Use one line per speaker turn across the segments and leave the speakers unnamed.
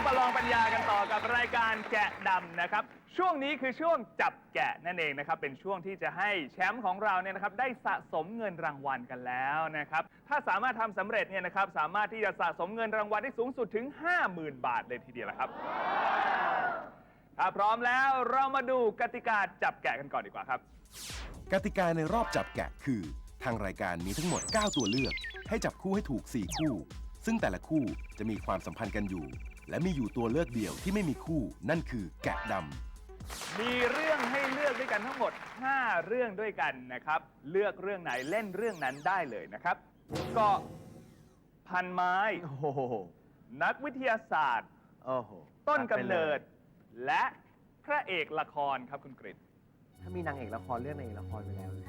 มาลองปัญญากันต่อกับรายการแกะดำนะครับช่วงนี้คือช่วงจับแกะนั่นเองนะครับเป็นช่วงที่จะให้แชมป์ของเราเนี่ยนะครับได้สะสมเงินรางวัลกันแล้วนะครับถ้าสามารถทำสำเร็จเนี่ยนะครับสามารถที่จะสะสมเงินรางวัลได้สูงสุดถึง 50,000 บาทเลยทีเดียวละครับถ้าพร้อมแล้วเรามาดูกติกาจับแกะกันก่อนดีกว่าครับ
กติกาในรอบจับแกะคือทางรายการมีทั้งหมด 9 ตัวเลือกให้จับคู่ให้ถูก 4 คู่ซึ่งแต่ละคู่จะมีความสัมพันธ์กันอยู่และมีอยู่ตัวเลือกเดียวที่ไม่มีคู่นั่นคือแกะดำ
มีเรื่องให้เลือกด้วยกันทั้งหมด 5 เรื่องด้วยกันนะครับเลือกเรื่องไหนเล่นเรื่องนั้นได้เลยนะครับเกาะพันไม้นักวิทยาศาสตร์ต้นกำเนิดและพระเอกละครครับคุณกฤษ
ถ้ามีนางเอกละครเรื่องนางเอกละครไปแล้ว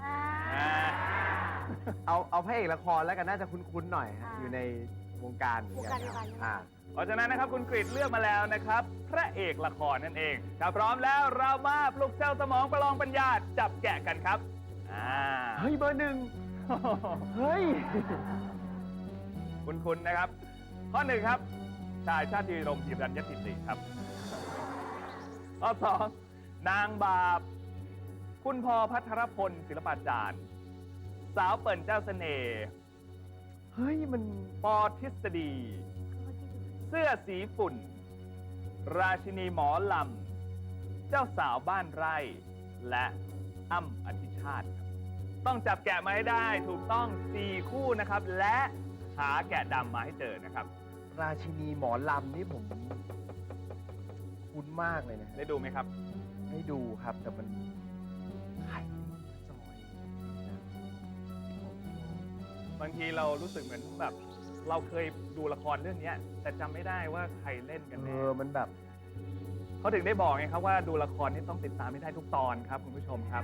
เอาพระเอกละครแล้วกันน่าจะคุ้นๆหน่อยฮะอยู่ในวงการเหมือนกัน
เพราะฉะนั้นนะครับคุณกฤษเลือกมาแล้วนะครับพระเอกละครนั่นเองถ้าพร้อมแล้วเรามาปลุกเซลล์สมองประลองปัญญาจับแกะกันครับ
เฮ้ยเบอร์ 1เฮ้ย
คุณนะครับข้อ 1ครับชายชาติรมหิรัญญติครับข้อ 2นางบาปคุณพพัทรพลศิลปาจารย์สาวเปิ่นเจ้าเสน่ห์
เฮ้ยมัน
ปอทฤษฎีเสื้อสีฝุ่นราชินีหมอลำเจ้าสาวบ้านไร่และอ้ำอธิชาติต้องจับแกะมาให้ได้ถูกต้อง4คู่นะครับและหาแกะดำมาให้เจอนะครับ
ราชินีหมอลำนี่ผมคุ้นมากเลยนะ
ได้ดูไหมครับ
ได้ดูครับแต่มันไข่ซอย
บางทีเรารู้สึกเหมือนแบบเราเคยดูละครเรื่องนี้แต่จำไม่ได้ว่าใครเล่นกันแน่
มันแบบ
เขาถึงได้บอกไงครับว่าดูละครนี่ต้องติดตามให้ได้ทุกตอนครับคุณผู้ชมครับ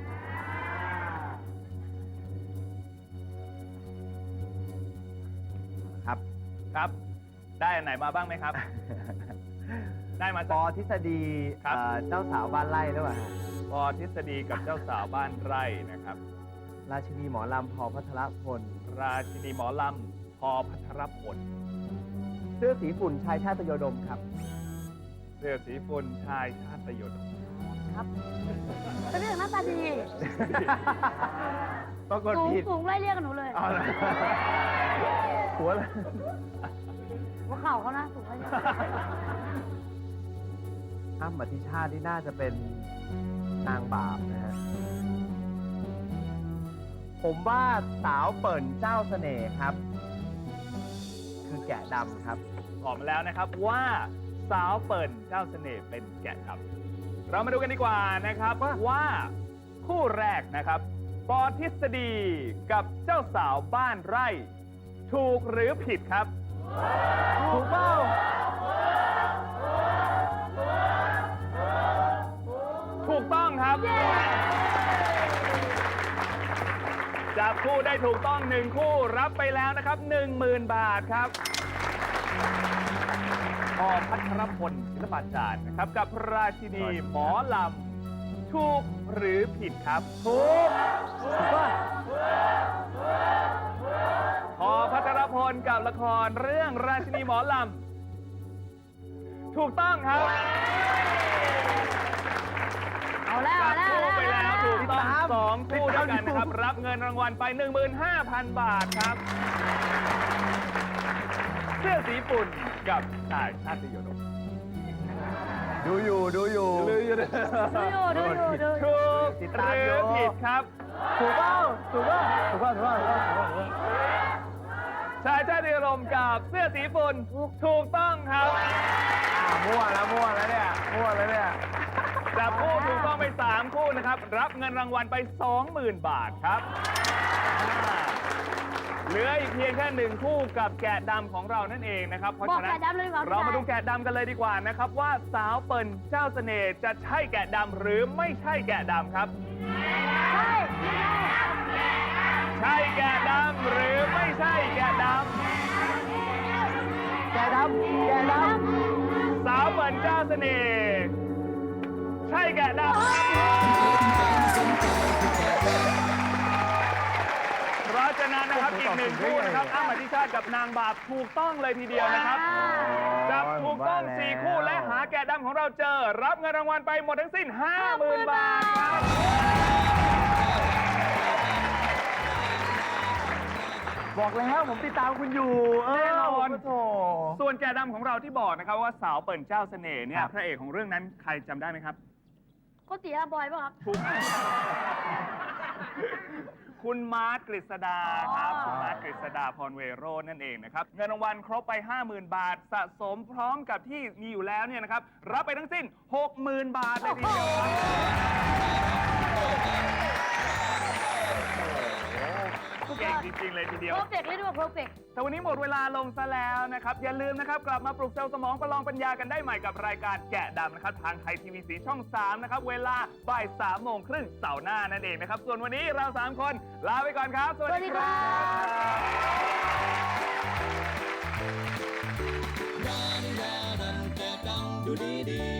ครับได้อันไหนมาบ้างไหมครับ ได้มา
ปอทฤษฎีเจ้าสาวบ้านไร่หรือเปล่า
ปอทฤษฎีกับเจ้าสาวบ้านไร่นะครับ
ราชินีหมอลำพอพัทรพล
ราชินีหมอลำพอพัทรพล
เสื้อสีฝุ่นชายชาติโยดมครับ
เสื้อสีฝุ่นชายชาติโยดม
ครับเป็นเรื่องหน้าตาดี
ปรากฏผิด
สูงไล่เรียกกับหนูเลย
หัวเลย
หัวเข่าเขานะสูงไล่เรียก
อ้ำอธิชาติที่น่าจะเป็นนางบาปนะฮะผมว่าสาวเปิ่นเจ้าเสน่ห์ครับคือแกะดำครับ
บอกมาแล้วนะครับว่าสาวเปิ่นเจ้าเสน่ห์เป็นแกะดำเรามาดูกันดีกว่านะครับว่าคู่แรกนะครับปอทฤษฎีกับเจ้าสาวบ้านไร่ถูกหรือผิดครับ
ถูกเปล่า
ถูกต้องครับจับคู่ได้ถูกต้อง1คู่รับไปแล้วนะครับ 10,000 บาทครับพอพัทรพลศิลปาจารย์นะครับกับราชินีหมอลำถูกหรือผิดครับถูกพอพัทรพลกับละครเรื่องราชินีหมอลำถูกต้องครับ
เอาแล้ว
ไปแล้วถูกต้อง2คู่ด้วยกันนะครับรับเงินรางวัลไป 15,000 บาทครับเสื้อสีฝุ่นกับชายชาติโยดม
ดูอยู่
ถูกหรือผิดครับ
ถูกเปล่า
ชายชาติโยดมกับเสื้อสีฝุ่นถูกต้องครับ
มั่วแล้วเนี่ย
จับคู่ถูกต้องไป3คู่นะครับรับเงินรางวัลไป 20,000 บาทครับเหลืออีกเพียงแค่1คู่กับแกะดำของเรานั่นเองนะครับเพราะฉะนั้นเรามาดูแกะดำกันเลยดีกว่านะครับว่าสาวเปิ่นเจ้าเสน่ห์จะใช่แกะดำหรือไม่ใช่แกะดำครับใช่แกะดำหรือไม่ใช่แกะด
ำ
สาวเปิ่นเจ้าเสน่ห์ใช่แกะดำเพราะฉะนั้นนั้นนะครับอีกหนึ่งคู่นะครับอ้ำอธิชาติกับนางบาปถูกต้องเลยทีเดียวนะครับจับถูกต้อง4คู่และหาแกะดำของเราเจอ รับเงินรางวัลไปหมดทั้งสิ้น 50,000 บาทครับ
บอกแล้วผมติดตามคุณอยู่
แน่นอน
โถ
ส่วนแกะดำของเราที่บอกนะครับว่าสาวเปิ่นเจ้าเสน่ห์เนี่ย
ครับ
พระเอกของเรื่องนั้นใครจำได้ไหมครับ
โกติอาบอยป่ะครับ
ถูกคุณมาร์ทกฤษดาครับ
อ๋อ
คุณมาร์ทกฤษดาพรเวโรจน์นั่นเองนะครับ เงินรางวัลครบไป 50,000 บาท สะสมพร้อมกับที่มีอยู่แล้วเนี่ยนะครับ รับไปทั้งสิ้น 60,000 บาทเลยทีเดียวครับเก่งจริงๆเลยทีเดียว
เพอร์เฟกต์เลยด้วยเพอร์เฟกต์
แต่วันนี้หมดเวลาลงซะแล้วนะครับ อย่าลืมนะครับ กลับมาปลุกเซลล์สมองประลองปัญญากันได้ใหม่กับรายการแกะดำนะครับ ทางไทยทีวีสีช่อง 3 นะครับ เวลาบ่าย 3:30 เสาร์หน้านั่นเองนะครับ ส่วนวันนี้เรา 3 คนลาไปก่อนครับ สวัสดีครับ
ดูดี